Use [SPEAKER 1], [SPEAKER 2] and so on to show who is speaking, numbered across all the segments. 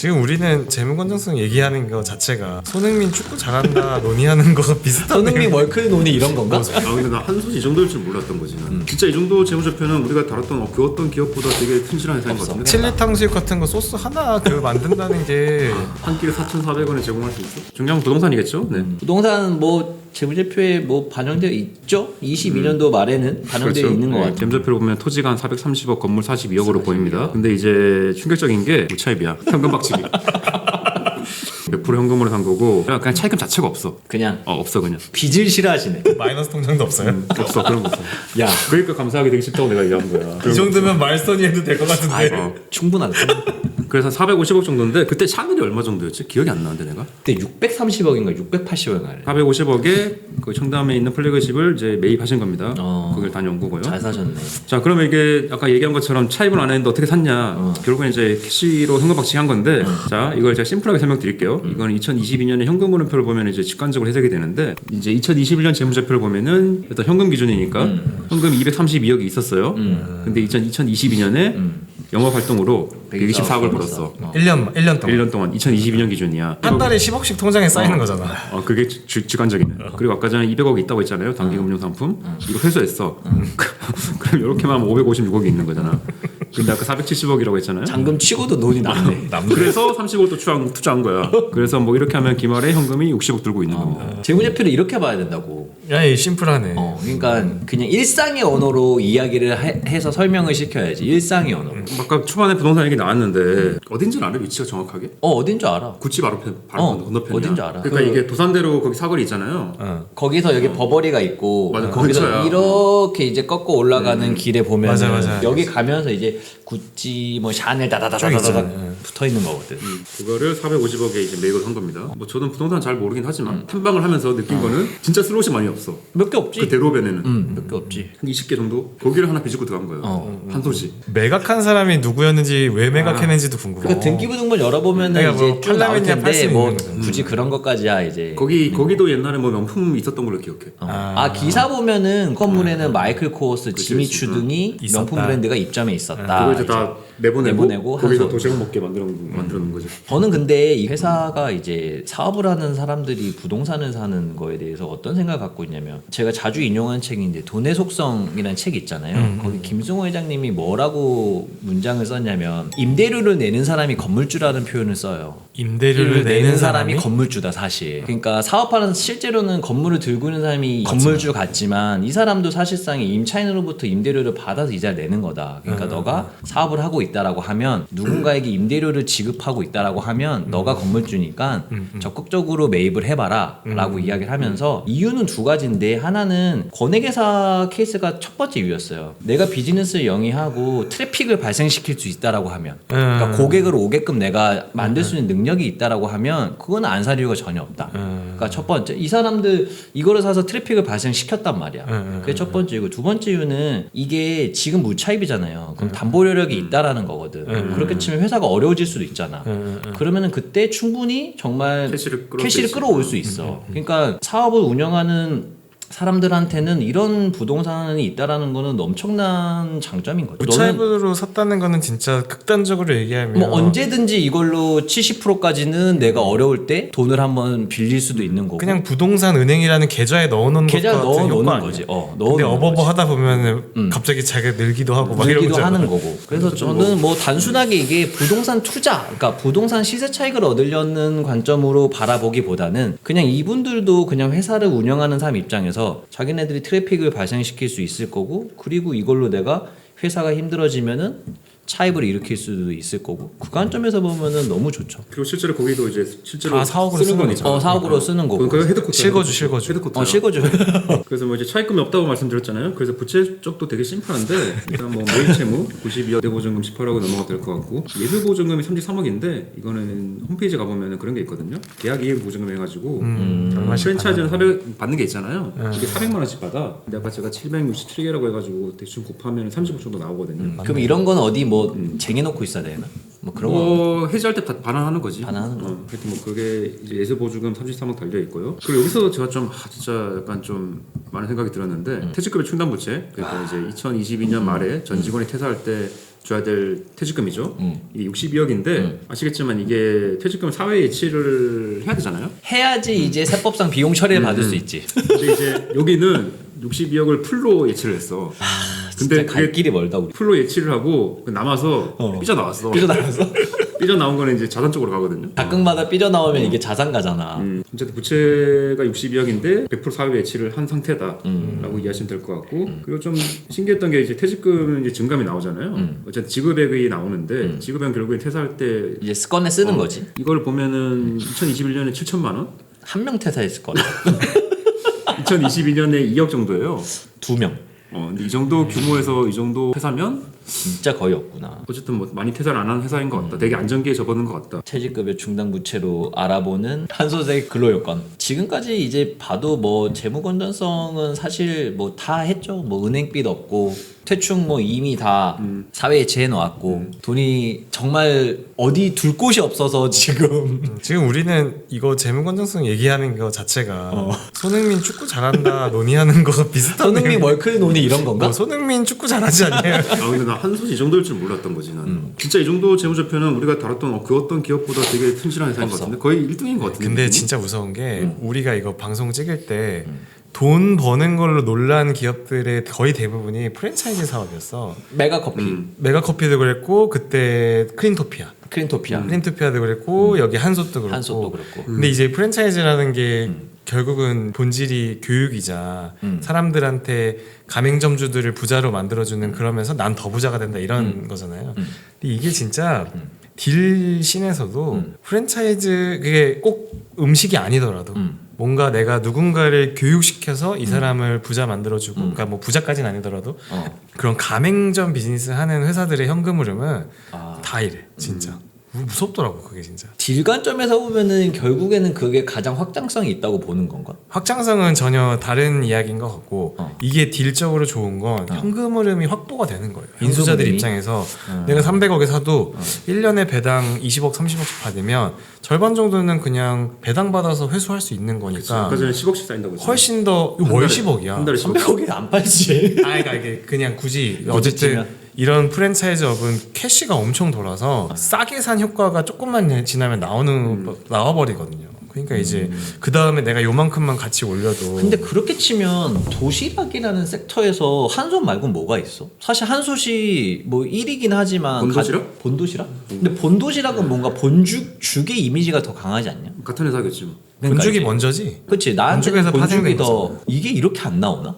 [SPEAKER 1] 지금 우리는 재무 건전성 얘기하는 거 자체가 손흥민 축구 잘한다 논의하는 거가 비슷한.
[SPEAKER 2] 손흥민 월클 논의 이런 건가?
[SPEAKER 3] 근데 나 한솥이 이 정도일 줄 몰랐던 거지. 진짜 이 정도 재무제표는 우리가 다뤘던 그 어떤 기업보다 되게 튼실한 회사인 것 같은데.
[SPEAKER 1] 칠리 탕수육 같은 거 소스 하나 그 만든다는 게
[SPEAKER 3] 한 끼를 4,400원에 제공할 수 있어? 중요한 건 부동산이겠죠? 네.
[SPEAKER 2] 부동산 뭐 재무제표에 뭐 반영되어 있죠? 22년도 말에는 반영되어 있는 것 같아요.
[SPEAKER 3] 재무제표를 보면 토지가 한 430억, 건물 42억으로 보입니다. 근데 이제 충격적인 게 무차입이야. 현금 박치기. 100% 현금으로 산 거고 그냥 차입금 자체가 없어.
[SPEAKER 2] 그냥
[SPEAKER 3] 없어 그냥.
[SPEAKER 2] 빚을 싫어하시네.
[SPEAKER 1] 마이너스 통장도 없어요.
[SPEAKER 3] 없어 그런 거 없어.
[SPEAKER 2] 야,
[SPEAKER 3] 그러니까 감사하게 되기 싫다고 내가 얘기한 거야.
[SPEAKER 1] 이 정도면 말선이 해도 될 것 같은데.
[SPEAKER 2] 충분하다.
[SPEAKER 3] 그래서 450억 정도인데 그때 샤넬이 얼마 정도였지? 기억이 안 나는데 내가.
[SPEAKER 2] 그때 630억인가 680억인가.
[SPEAKER 3] 450억에 그 청담에 있는 플래그십을 이제 매입하신 겁니다.
[SPEAKER 2] 어.
[SPEAKER 3] 그걸 다녀온 거고요.
[SPEAKER 2] 잘 사셨네.
[SPEAKER 3] 자, 그러면 이게 아까 얘기한 것처럼 차입을 안 했는데 어떻게 샀냐? 결국은 이제 캐시로 현금 박치한 건데, 자, 이걸 제가 심플하게 설명드릴게요. 이건 2022년에 현금 흐름표를 보면 이제 직관적으로 해석이 되는데, 이제 2021년 재무제표를 보면은 일단 현금 기준이니까 현금 232억이 있었어요. 근데 2022년에 영업 활동으로 124억을 벌었어.
[SPEAKER 1] 1년 동안.
[SPEAKER 3] 1년 동안 2022년 기준이야.
[SPEAKER 1] 한 달에 10억씩 통장에 쌓이는 거잖아.
[SPEAKER 3] 그게 직관적이네. 그리고 아까 전에 200억이 있다고 했잖아요. 단기금융상품. 이거 회수했어. 그럼 이렇게만 하면 556억이 있는 거잖아. 근데 아까 470억이라고 했잖아요.
[SPEAKER 2] 잔금 치고도 돈이 남네.
[SPEAKER 3] 그래서 30억 또 투자한 거야. 그래서 뭐 이렇게 하면 기말에 현금이 60억 들고 있는 겁니다.
[SPEAKER 2] 재무제표를 이렇게 봐야 된다고.
[SPEAKER 1] 야, 이 심플하네.
[SPEAKER 2] 그러니까 그냥 일상의 언어로 이야기를 해서 설명을 시켜야지. 일상의 언어로.
[SPEAKER 3] 아까 초반에 부동산 얘기 나왔는데 어딘지는 알아? 위치가 정확하게?
[SPEAKER 2] 어딘 줄 알아.
[SPEAKER 3] 구치 바로 건너편이야.
[SPEAKER 2] 어딘 줄 알아.
[SPEAKER 3] 그러니까 이게 도산대로 거기 사거리 있잖아요.
[SPEAKER 2] 거기서 여기 버버리가 있고
[SPEAKER 3] 맞아,
[SPEAKER 2] 거기서
[SPEAKER 3] 근처야.
[SPEAKER 2] 이렇게 이제 꺾고 올라가는 길에 보면
[SPEAKER 1] 맞아.
[SPEAKER 2] 여기 가면서 이제 구찌 뭐 샤넬 다다다다다다 붙어 있는 거거든.
[SPEAKER 3] 그거를 450억에 이제 매입을 한 겁니다. 뭐 저는 부동산 잘 모르긴 하지만 탐방을 하면서 느낀 거는 진짜 슬롯이 많이 없어.
[SPEAKER 2] 몇 개 없지.
[SPEAKER 3] 그 대로변에는
[SPEAKER 2] 몇 개 없지.
[SPEAKER 3] 한 20개 정도? 거기를 하나 비집고 들어간 거예요. 한 소지.
[SPEAKER 1] 매각한 사람이 누구였는지 왜 매각했는지도 궁금해.
[SPEAKER 2] 그 등기부등본 열어보면은
[SPEAKER 1] 그러니까
[SPEAKER 2] 이제
[SPEAKER 1] 뭐
[SPEAKER 2] 쭉 나올
[SPEAKER 1] 팔라면이야 팔
[SPEAKER 2] 텐데
[SPEAKER 1] 수
[SPEAKER 2] 뭐
[SPEAKER 1] 있는 거죠.
[SPEAKER 2] 굳이 그런 것까지야 이제.
[SPEAKER 3] 거기도 옛날에 뭐 명품 있었던 걸로 기억해.
[SPEAKER 2] 기사 보면는 건물에는 마이클 코어스, 지미
[SPEAKER 3] 그치.
[SPEAKER 2] 추 등이
[SPEAKER 1] 있었다.
[SPEAKER 2] 명품 브랜드가 입점해 있었다.
[SPEAKER 3] 그걸 이제 다 내보내고 거기서
[SPEAKER 2] 한
[SPEAKER 3] 도시락 먹게 만들어 놓은 거지.
[SPEAKER 2] 저는 근데 이 회사가 이제 사업을 하는 사람들이 부동산을 사는 거에 대해서 어떤 생각을 갖고 있냐면 제가 자주 인용하는 책인데 돈의 속성이라는 책이 있잖아요. 거기 김승호 회장님이 뭐라고 문장을 썼냐면 임대료를 내는 사람이 건물주라는 표현을 써요.
[SPEAKER 1] 임대료를 내는 사람이
[SPEAKER 2] 건물주다 사실. 그러니까 사업하는 실제로는 건물을 들고 있는 사람이 건물주 같지만 이 사람도 사실상 임차인으로부터 임대료를 받아서 이자를 내는 거다. 그러니까 너가 사업을 하고 있다라고 하면 누군가에게 임대료를 지급하고 있다라고 하면 너가 건물주니까 적극적으로 매입을 해봐라라고 이야기를 하면서 이유는 두 가지인데 하나는 권액회사 케이스가 첫 번째 이유였어요. 내가 비즈니스를 영위하고 트래픽을 발생시킬 수 있다라고 하면 그러니까 고객을 오게끔 내가 만들 수 있는 능력이 있다라고 하면 그건 안 살 이유가 전혀 없다. 그러니까 첫 번째 이 사람들 이거를 사서 트래픽을 발생시켰단 말이야. 그게 첫 번째 이유고 두 번째 이유는 이게 지금 무차입이잖아요. 그럼 담보료력이 있다라는 거거든. 그렇게 치면 회사가 어려워질 수도 있잖아. 그러면은 그때 충분히 정말 캐시를 끌어올 수 있어. 그러니까 사업을 운영하는 사람들한테는 이런 부동산이 있다라는 거는 엄청난 장점인 거죠.
[SPEAKER 1] 무차입으로 샀다는 거는 진짜 극단적으로 얘기하면
[SPEAKER 2] 뭐 언제든지 이걸로 70%까지는 내가 어려울 때 돈을 한번 빌릴 수도 있는 거고.
[SPEAKER 1] 그냥 부동산 은행이라는 계좌에 넣어놓은
[SPEAKER 2] 계좌
[SPEAKER 1] 것 같은
[SPEAKER 2] 넣어놓는
[SPEAKER 1] 효과
[SPEAKER 2] 거지.
[SPEAKER 1] 아니야? 근데
[SPEAKER 2] 넣어놓는
[SPEAKER 1] 어버버
[SPEAKER 2] 거지.
[SPEAKER 1] 하다 보면은 갑자기 자기가 늘기도 하고 막
[SPEAKER 2] 늘기도
[SPEAKER 1] 이러잖아.
[SPEAKER 2] 하는 거고. 그래서 저는 뭐 단순하게 이게 부동산 투자, 그러니까 부동산 시세 차익을 얻으려는 관점으로 바라보기보다는 그냥 이분들도 그냥 회사를 운영하는 사람 입장에서 자기네들이 트래픽을 발생시킬 수 있을 거고, 그리고 이걸로 내가 회사가 힘들어지면은 차입을 일으킬 수도 있을 거고, 그 관점에서 보면은 너무 좋죠.
[SPEAKER 3] 그리고 실제로 거기도 이제 실제로
[SPEAKER 1] 사옥으로 쓰는
[SPEAKER 3] 거니까.
[SPEAKER 2] 사옥으로 쓰는 거고.
[SPEAKER 3] 그 헤드코트.
[SPEAKER 1] 실거주.
[SPEAKER 3] 헤드코트.
[SPEAKER 2] 실거주.
[SPEAKER 3] 그래서 뭐 이제 차입금이 없다고 말씀드렸잖아요. 그래서 부채 쪽도 되게 심플한데 일단 뭐 매입 채무 92억, 대보증금 18억으로 넘어가 될 것 같고 예술 보증금이 33억인데 이거는 홈페이지 가보면 그런 게 있거든요. 계약 이행 보증금 해가지고 프랜차이즈는 400 받는 게 있잖아요. 이게 400만 원씩 받아. 근데 아까 제가 767개라고 해가지고 대충 곱하면 30억 정도 나오거든요.
[SPEAKER 2] 그럼 이런 건 어디 뭐 쟁여놓고 있어야 되나? 뭐 그런 거.
[SPEAKER 3] 해지할 때 반환하는 거지.
[SPEAKER 2] 반환하는 거.
[SPEAKER 3] 하여튼 뭐 그게 이제 예술 보증금 33억 달려 있고요. 그리고 여기서 제가 좀 진짜 약간 좀 많은 생각이 들었는데 퇴직급여 충당부채. 그러니까 이제 2022년 말에 전 직원이 퇴사할 때 줘야 될 퇴직금이죠. 이게 62억인데 아시겠지만 이게 퇴직금 사회 예치를 해야 되잖아요.
[SPEAKER 2] 해야지 이제 세법상 비용 처리를 받을 수 있지.
[SPEAKER 3] 근데 이제 여기는 62억을 풀로 예치를 했어.
[SPEAKER 2] 근데
[SPEAKER 3] 근데
[SPEAKER 2] 갈
[SPEAKER 3] 그게
[SPEAKER 2] 길이 멀다 우리.
[SPEAKER 3] 풀로 예치를 하고 남아서 삐져나왔어.
[SPEAKER 2] 삐져나와서
[SPEAKER 3] 삐져나온 거는 이제 자산 쪽으로 가거든요.
[SPEAKER 2] 가끔마다 삐져나오면 이게 자산 가잖아.
[SPEAKER 3] 어쨌든 부채가 62억인데 100% 사회 예치를 한 상태다라고 이해하시면 될 것 같고 그리고 좀 신기했던 게 이제 퇴직금 이제 증감이 나오잖아요. 어쨌든 지급액이 나오는데 지급액은 결국에 퇴사할 때
[SPEAKER 2] 이제 습관에 쓰는 거지.
[SPEAKER 3] 이걸 보면은 2021년에 7천만 원,
[SPEAKER 2] 한 명 퇴사했을 거야.
[SPEAKER 3] 2022년에 2억 정도예요.
[SPEAKER 2] 2명.
[SPEAKER 3] 근데 이 정도 규모에서 이 정도 회사면
[SPEAKER 2] 진짜 거의 없구나.
[SPEAKER 3] 어쨌든 뭐 많이 퇴사를 안 하는 회사인 것 같다. 되게 안정기에 접어든 것 같다.
[SPEAKER 2] 퇴직급여 중단부채로 알아보는 한소세 근로요건. 지금까지 이제 봐도 뭐 재무 건전성은 사실 뭐 다 했죠. 뭐 은행빚 없고 퇴충 뭐 이미 다 사회에 재해 놓았고 돈이 정말 어디 둘 곳이 없어서 지금
[SPEAKER 1] 지금 우리는 이거 재무 건전성 얘기하는 거 자체가 손흥민 축구 잘한다 논의하는 거 비슷한.
[SPEAKER 2] 손흥민 월클 논의 이런 건가?
[SPEAKER 1] 손흥민 축구 잘하지 않냐?
[SPEAKER 3] 근데 나 한솥이 이 정도일 줄 몰랐던 거지 나는. 진짜 이 정도 재무제표는 우리가 다뤘던 그 어떤 기업보다 되게 튼실한 회사인 것 같은데 거의 1등인 것 같은데.
[SPEAKER 1] 근데 진짜 무서운 게 우리가 이거 방송 찍을 때 돈 버는 걸로 놀란 기업들의 거의 대부분이 프랜차이즈 사업이었어.
[SPEAKER 2] 메가커피,
[SPEAKER 1] 메가커피도 그랬고 그때 크린토피아. 크린토피아도 그랬고 여기 한솥도 그렇고.
[SPEAKER 2] 한솥도 그렇고.
[SPEAKER 1] 근데 이제 프랜차이즈라는 게 결국은 본질이 교육이자 사람들한테 가맹점주들을 부자로 만들어주는 그러면서 난 더 부자가 된다 이런 거잖아요. 근데 이게 진짜 딜 씬에서도 프랜차이즈 그게 꼭 음식이 아니더라도 뭔가 내가 누군가를 교육시켜서 이 사람을 부자 만들어주고 그러니까 뭐 부자까지는 아니더라도 그런 가맹점 비즈니스 하는 회사들의 현금 흐름은 다 이래 진짜. 무섭더라고 그게 진짜.
[SPEAKER 2] 딜 관점에서 보면은 결국에는 그게 가장 확장성이 있다고 보는 건가?
[SPEAKER 1] 확장성은 전혀 다른 이야기인 것 같고 이게 딜적으로 좋은 건 현금 흐름이 확보가 되는 거예요. 인수자들
[SPEAKER 2] 흐름이?
[SPEAKER 1] 입장에서 내가 300억에 사도 1년에 배당 20억 30억씩 받으면 절반 정도는 그냥 배당 받아서 회수할 수 있는 거니까
[SPEAKER 3] 아까 전에 10억씩 쌓인다고 했잖아.
[SPEAKER 1] 훨씬 더 월 10억이야.
[SPEAKER 3] 한 달에 10억.
[SPEAKER 2] 300억이 안 팔지.
[SPEAKER 1] 그러니까 이게 그냥 굳이 어쨌든 이런 프랜차이즈업은 캐시가 엄청 돌아서 싸게 산 효과가 조금만 지나면 나와버리거든요. 그러니까 이제 그 다음에 내가 요만큼만 같이 올려도.
[SPEAKER 2] 근데 그렇게 치면 도시락이라는 섹터에서 한솥 말고는 뭐가 있어? 사실 한솥이 뭐 1위긴 하지만
[SPEAKER 3] 본도시락?
[SPEAKER 2] 본도시락? 근데 본도시락은 뭔가 죽의 이미지가 더 강하지 않냐?
[SPEAKER 3] 같은 회사겠지 뭐.
[SPEAKER 1] 본죽이
[SPEAKER 2] 그러니까
[SPEAKER 1] 먼저지.
[SPEAKER 2] 그렇지. 나한테는
[SPEAKER 1] 본죽에서
[SPEAKER 2] 본죽이
[SPEAKER 1] 파생된
[SPEAKER 2] 더 이게 이렇게 안 나오나?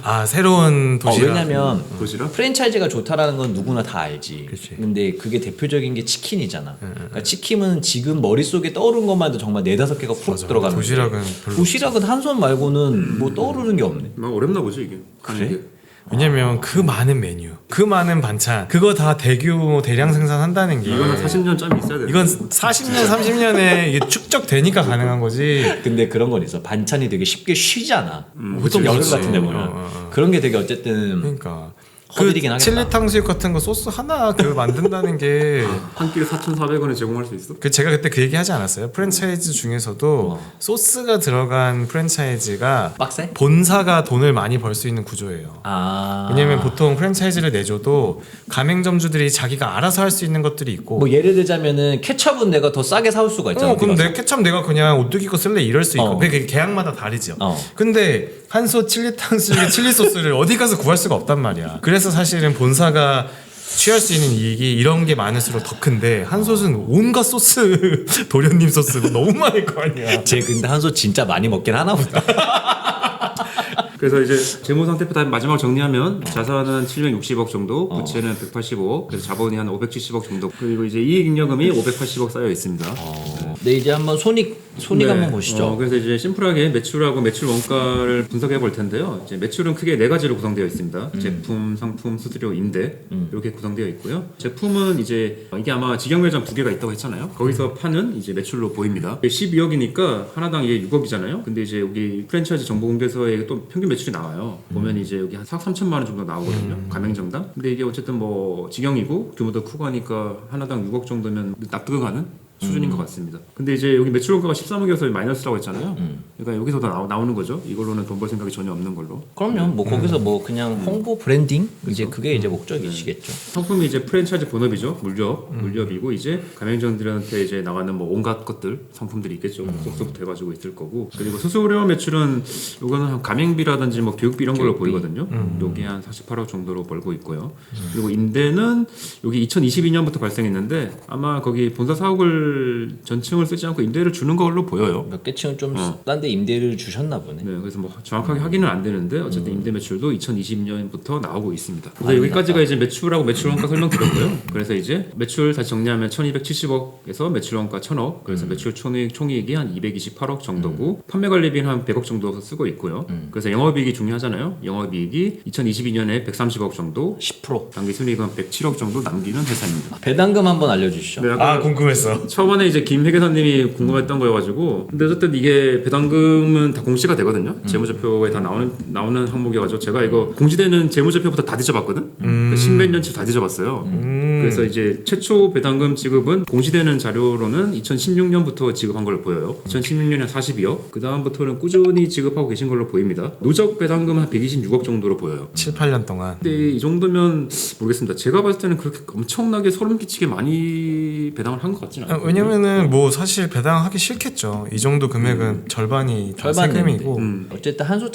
[SPEAKER 1] 새로운 도시락.
[SPEAKER 2] 왜냐면
[SPEAKER 3] 도시락?
[SPEAKER 2] 프랜차이즈가 좋다라는 건 누구나 다 알지.
[SPEAKER 1] 그치.
[SPEAKER 2] 근데 그게 대표적인 게 치킨이잖아. 그러니까 치킨은 지금 머릿속에 떠오른 것만 해도 정말 4-5개가 훅
[SPEAKER 1] 맞아.
[SPEAKER 2] 들어가는데
[SPEAKER 1] 도시락은 별로
[SPEAKER 2] 도시락은 한솥 말고는 뭐 떠오르는 게 없네.
[SPEAKER 3] 막 어렵나 보지 이게.
[SPEAKER 2] 그래?
[SPEAKER 1] 왜냐면 그 많은 메뉴, 그 많은 반찬, 그거 다 대규모 대량 생산한다는 게
[SPEAKER 3] 이거는 40년 짬이 있어야 돼.
[SPEAKER 1] 이건 40년, 30년에 이게 축적되니까 가능한 거지.
[SPEAKER 2] 근데 그런 건 있어. 반찬이 되게 쉽게 쉬잖아. 보통
[SPEAKER 1] 그치,
[SPEAKER 2] 여름
[SPEAKER 1] 그치.
[SPEAKER 2] 같은 데 보면 그런 게 되게 어쨌든
[SPEAKER 1] 그러니까
[SPEAKER 2] 허들이긴
[SPEAKER 1] 그
[SPEAKER 2] 하겠다.
[SPEAKER 1] 칠리 탕수육 같은 거 소스 하나 그 만든다는 게
[SPEAKER 3] 한 끼를 4,400원에 제공할 수 있어?
[SPEAKER 1] 그 제가 그때 그 얘기 하지 않았어요? 프랜차이즈 중에서도 소스가 들어간 프랜차이즈가
[SPEAKER 2] 빡세?
[SPEAKER 1] 본사가 돈을 많이 벌 수 있는 구조예요. 왜냐면 보통 프랜차이즈를 내줘도 가맹점주들이 자기가 알아서 할 수 있는 것들이 있고
[SPEAKER 2] 뭐 예를 들자면은 케첩은 내가 더 싸게 사올 수가 있잖아.
[SPEAKER 1] 그럼
[SPEAKER 2] 어디
[SPEAKER 1] 내
[SPEAKER 2] 가서.
[SPEAKER 1] 케첩 내가 그냥 오뚜기 거 쓸래 이럴 수 있고 그게 계약마다 다르죠. 근데 한솥 칠리 탕수육에 칠리 소스를 어디 가서 구할 수가 없단 말이야. 그래서 사실은 본사가 취할 수 있는 이익이 이런 게 많을수록 더 큰데 한솥은 온갖 소스 도련님 소스 너무 많을 거 아니야.
[SPEAKER 2] 쟤 근데 한솥 진짜 많이 먹긴 하나 보다.
[SPEAKER 3] 그래서 이제 재무 상태표 다 마지막 정리하면 자산은 760억 정도, 부채는 185억, 그래서 자본이 한 570억 정도, 그리고 이제 이익잉여금이 580억 쌓여 있습니다.
[SPEAKER 2] 네, 이제 한번 손익
[SPEAKER 3] 네.
[SPEAKER 2] 한번 보시죠.
[SPEAKER 3] 그래서 이제 심플하게 매출하고 매출 원가를 분석해 볼 텐데요. 이제 매출은 크게 4가지로 구성되어 있습니다. 제품, 상품, 수수료, 임대 이렇게 구성되어 있고요. 제품은 이제 이게 아마 직영 매장 2개가 있다고 했잖아요. 거기서 파는 이제 매출로 보입니다. 12억이니까 하나당 이게 6억이잖아요. 근데 이제 여기 프랜차이즈 정보공개서에 또 평균 매출이 나와요. 보면 이제 여기 한 4억 3천만 원 정도 나오거든요. 가맹점당. 근데 이게 어쨌든 뭐 직영이고 규모도 크고 하니까 하나당 6억 정도면 납득은 가는 수준인 것 같습니다. 근데 이제 여기 매출 원가가 13억이어서 마이너스라고 했잖아요. 그러니까 여기서 다 나오는 거죠. 이걸로는 돈 벌 생각이 전혀 없는 걸로.
[SPEAKER 2] 그럼요. 뭐 거기서 뭐 그냥 홍보 브랜딩 이제 그게 이제 목적이시겠죠.
[SPEAKER 3] 상품이 이제 프랜차이즈 본업이죠. 물렵이고 이제 가맹점들한테 이제 나가는 뭐 온갖 것들 상품들이 있겠죠. 속서부터 해가지고 있을 거고. 그리고 수수료 매출은 이거는 한 가맹비라든지 뭐 교육비 이런 걸로 보이거든요. 여기 한 48억 정도로 벌고 있고요. 그리고 임대는 여기 2022년부터 발생했는데 아마 거기 본사 사옥을 전층을 쓰지 않고 임대를 주는 걸로 보여요.
[SPEAKER 2] 몇 개 층은 좀 딴 데 임대를 주셨나 보네.
[SPEAKER 3] 네, 그래서 뭐 정확하게 확인은 안 되는데 어쨌든 임대 매출도 2020년부터 나오고 있습니다. 그래서 여기까지가 이제 매출하고 매출 원가 설명드렸고요. 그래서 이제 매출 다시 정리하면 1,270억에서 매출 원가 1,000억. 그래서 매출 총이익이 한 228억 정도고 판매 관리비는 한 100억 정도 쓰고 있고요. 그래서 영업이익이 중요하잖아요. 영업이익이 2022년에 130억 정도,
[SPEAKER 2] 10%.
[SPEAKER 3] 당기 순이익은 107억 정도 남기는 회사입니다.
[SPEAKER 2] 배당금 한번 알려주시죠.
[SPEAKER 3] 네, 아까
[SPEAKER 1] 궁금했어.
[SPEAKER 3] 처음에 이제 김 회계사님이 궁금했던 거여가지고 근데 어쨌든 이게 배당금은 다 공시가 되거든요. 재무제표에 다 나오는 항목이어가지고 제가 이거 공시되는 재무제표부터 다 뒤져봤거든. 십몇 년치 다 뒤져봤어요. 그래서 이제 최초 배당금 지급은 공시되는 자료로는 2016년부터 지급한 걸로 보여요. 2016년에 42억. 그 다음부터는 꾸준히 지급하고 계신 걸로 보입니다. 누적 배당금 한 126억 정도로 보여요.
[SPEAKER 1] 7, 8년 동안.
[SPEAKER 3] 근데 이 정도면 모르겠습니다. 제가 봤을 때는 그렇게 엄청나게 소름 끼치게 많이 배당을 한 것 같지는 않아요.
[SPEAKER 1] 왜냐면은 뭐 사실 배당하기 싫겠죠. 이 정도 금액은 절반이 다 세금이고.
[SPEAKER 2] 어쨌든 한솥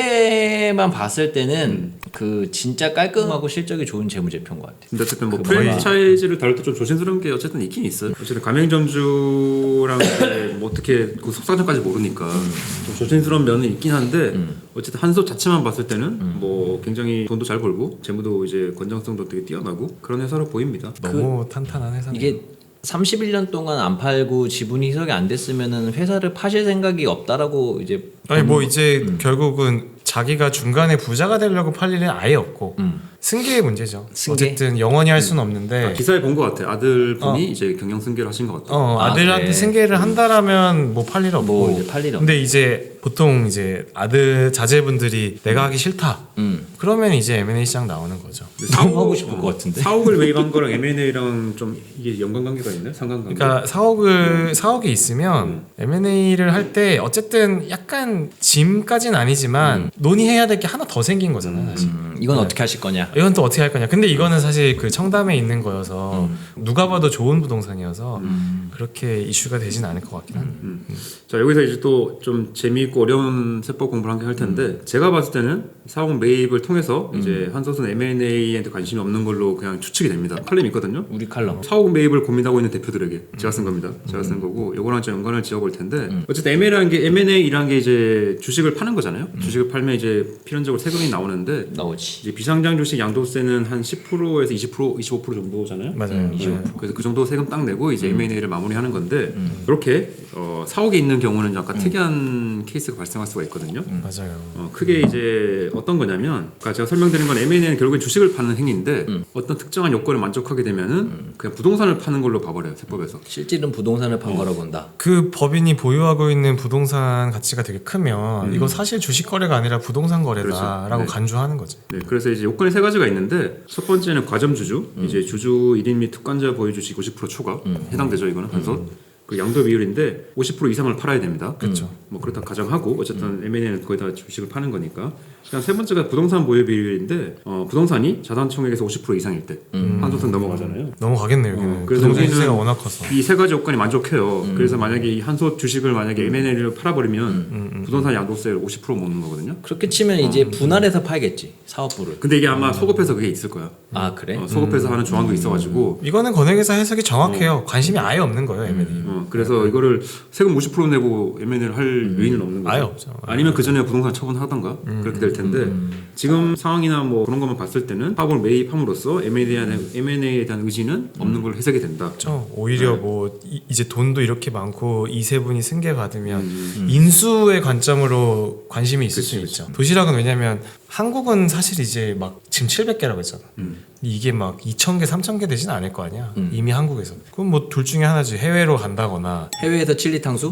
[SPEAKER 2] 자체만 봤을 때는 그 진짜 깔끔하고 실적이 좋은 재무제표인 것 같아요.
[SPEAKER 3] 근데 어쨌든 뭐 프랜차이즈를 다룰 때 좀 조심스러운 게 어쨌든 있긴 있어요. 어쨌든 가맹점주랑 뭐 어떻게 그 속사정까지 모르니까 좀 조심스러운 면은 있긴 한데 어쨌든 한솥 자체만 봤을 때는 뭐 굉장히 돈도 잘 벌고 재무도 이제 건전성도 되게 뛰어나고 그런 회사로 보입니다.
[SPEAKER 1] 너무 탄탄한 회사네요.
[SPEAKER 2] 이게 31년 동안 안 팔고 지분 희석이 안 됐으면은 회사를 파실 생각이 없다라고 이제
[SPEAKER 1] 아니 뭐 이제 결국은 자기가 중간에 부자가 되려고 팔 일은 아예 없고 승계의 문제죠.
[SPEAKER 2] 승계?
[SPEAKER 1] 어쨌든 영원히 할 수는 없는데
[SPEAKER 3] 기사에 본 것 같아요. 아들분이 이제 경영 승계를 하신 것 같아요.
[SPEAKER 1] 아들한테
[SPEAKER 2] 그래.
[SPEAKER 1] 승계를 한다라면 뭐 팔 일 없고
[SPEAKER 2] 뭐 이제 팔 일 없고.
[SPEAKER 1] 근데 이제 보통 이제 아들 자제분들이 내가 하기 싫다 그러면 이제 M&A 시장 나오는 거죠.
[SPEAKER 2] 너무 하고 싶을 것 같은데.
[SPEAKER 3] 사옥을 매입한 거랑 M&A랑 좀 이게 연관관계가 있나요? 상관관계?
[SPEAKER 1] 그러니까 사옥이 있으면 M&A를 할 때 어쨌든 약간 짐까지는 아니지만 논의해야 될 게 하나 더 생긴 거잖아요. 사실.
[SPEAKER 2] 이건 어떻게 하실 거냐?
[SPEAKER 1] 이건 또 어떻게 할 거냐. 근데 이거는 사실 그 청담에 있는 거여서 누가 봐도 좋은 부동산이어서 그렇게 이슈가 되진 않을 것 같긴 한데.
[SPEAKER 3] 자 여기서 이제 또 좀 재미있고 어려운 세법 공부를 한 개 할 텐데 제가 봤을 때는 사옥 매입을 통해서 이제 한솥은 M&A한테 관심이 없는 걸로 그냥 추측이 됩니다. 칼럼이 있거든요.
[SPEAKER 2] 우리 칼럼.
[SPEAKER 3] 사옥 매입을 고민하고 있는 대표들에게 제가 쓴 겁니다. 제가 쓴 거고 요거랑 좀 연관을 지어볼 텐데 어쨌든 M&A라는 게 이제 주식을 파는 거잖아요. 주식을 팔면 이제 필연적으로 세금이 나오는데
[SPEAKER 2] 나오지.
[SPEAKER 3] 이제 비상장 주식 양도세는 한 10%에서 20%, 25% 정도잖아요.
[SPEAKER 1] 맞아요. 네.
[SPEAKER 3] 그래서 그 정도 세금 딱 내고 이제 M&A를 마무리하는 건데 이렇게 사옥에 있는 경우는 약간 특이한 케이스가 발생할 수가 있거든요.
[SPEAKER 1] 맞아요.
[SPEAKER 3] 크게 이제 어떤 거냐면 아까 제가 설명드린 건 M&A는 결국엔 주식을 파는 행위인데 어떤 특정한 요건을 만족하게 되면은 그냥 부동산을 파는 걸로 봐버려요. 세법에서.
[SPEAKER 2] 실질은 부동산을 판 거라고 본다.
[SPEAKER 1] 그 법인이 보유하고 있는 부동산 가치가 되게 크면 이거 사실 주식 거래가 아니라 부동산 거래다라고
[SPEAKER 3] 그렇죠. 네.
[SPEAKER 1] 간주하는 거지.
[SPEAKER 3] 네, 그래서 이제 요건이 세 가지가 있는데 첫 번째는 과점주주, 이제 주주 1인 및 특관자 보유 주식 50% 초과 해당되죠. 이거는 한솥. 그 양도 비율인데 50% 이상을 팔아야 됩니다.
[SPEAKER 1] 그렇죠.
[SPEAKER 3] 뭐 그렇다 가정하고 어쨌든 M&A는 거의 다 주식을 파는 거니까. 그다음 세 번째가 부동산 보유 비율인데 부동산이 자산 총액에서 50% 이상일 때 한솥은 넘어가잖아요.
[SPEAKER 1] 넘어가겠네요. 여기는.
[SPEAKER 3] 그래서
[SPEAKER 1] 부동산
[SPEAKER 3] 여기는
[SPEAKER 1] 시세가 워낙 커서.
[SPEAKER 3] 이 세 가지 요건이 만족해요. 그래서 만약에 이 한솥 주식을 만약에 M&A를 팔아버리면 부동산 양도세를 50% 먹는 거거든요.
[SPEAKER 2] 그렇게 치면 이제 분할해서 팔겠지 사업부를.
[SPEAKER 3] 근데 이게 아마 소급해서 그게 있을 거야.
[SPEAKER 2] 아 그래?
[SPEAKER 3] 소급해서 하는 조항도 있어가지고
[SPEAKER 1] 이거는 권액회사 해석이 정확해요. 관심이 아예 없는 거예요, M&A.
[SPEAKER 3] 그래서 이거를 세금 50% 내고 M&A를 할 요인은 없는 거죠.
[SPEAKER 1] 아예 없죠.
[SPEAKER 3] 아니면 그 전에 부동산 처분하던가 그렇게 될 텐데 지금 상황이나 뭐 그런 것만 봤을 때는 사업을 매입함으로써 M&A에 대한 의지는 없는 걸로 해석이 된다.
[SPEAKER 1] 그렇죠. 오히려 뭐 이제 돈도 이렇게 많고 이 세 분이 승계 받으면 인수의 관점으로 관심이 있을 수 있죠. 도시락은 왜냐면 한국은 사실 이제 막 지금 700개라고 했잖아. 이게 막 2,000개, 3,000개 되진 않을 거 아니야. 이미 한국에서. 그럼 뭐 둘 중에 하나지. 해외로 간다거나
[SPEAKER 2] 해외에서 칠리 탕수?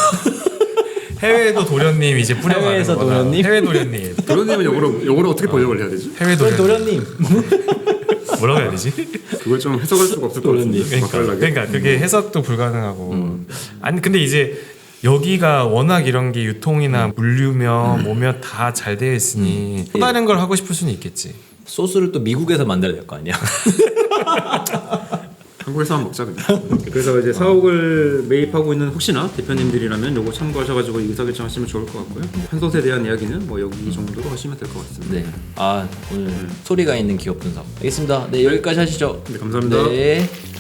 [SPEAKER 1] 해외에도 도련님 이제 뿌려가는
[SPEAKER 2] 해외에서
[SPEAKER 1] 거나.
[SPEAKER 2] 도련님?
[SPEAKER 1] 해외 도련님.
[SPEAKER 3] 그러려면 영어로 어떻게 번역을 해야 되지?
[SPEAKER 1] 해외 도련님.
[SPEAKER 2] 도련님.
[SPEAKER 1] 뭐라고 해야 되지?
[SPEAKER 3] 그걸 좀 해석할 수가 없을 것 같은데. 맛깔나게.
[SPEAKER 1] 그러니까 그게 해석도 불가능하고 아니 근데 이제 여기가 워낙 이런 게 유통이나 물류며 뭐며 다 잘 되어 있으니 또 다른 걸 하고 싶을 수는 있겠지.
[SPEAKER 2] 소스를 또 미국에서 만들어야 될 거 아니야.
[SPEAKER 3] 한국에서 한번 먹자 그냥. 그래서 이제 사옥을 매입하고 있는 혹시나 대표님들이라면 요거 참고하셔가지고 의사결정하시면 좋을 것 같고요. 한솥에 대한 이야기는 뭐 여기 정도로 하시면 될 것 같습니다.
[SPEAKER 2] 네. 아 오늘 소리가 있는 기업 분석. 알겠습니다. 네 여기까지 하시죠.
[SPEAKER 3] 네, 감사합니다.
[SPEAKER 2] 네.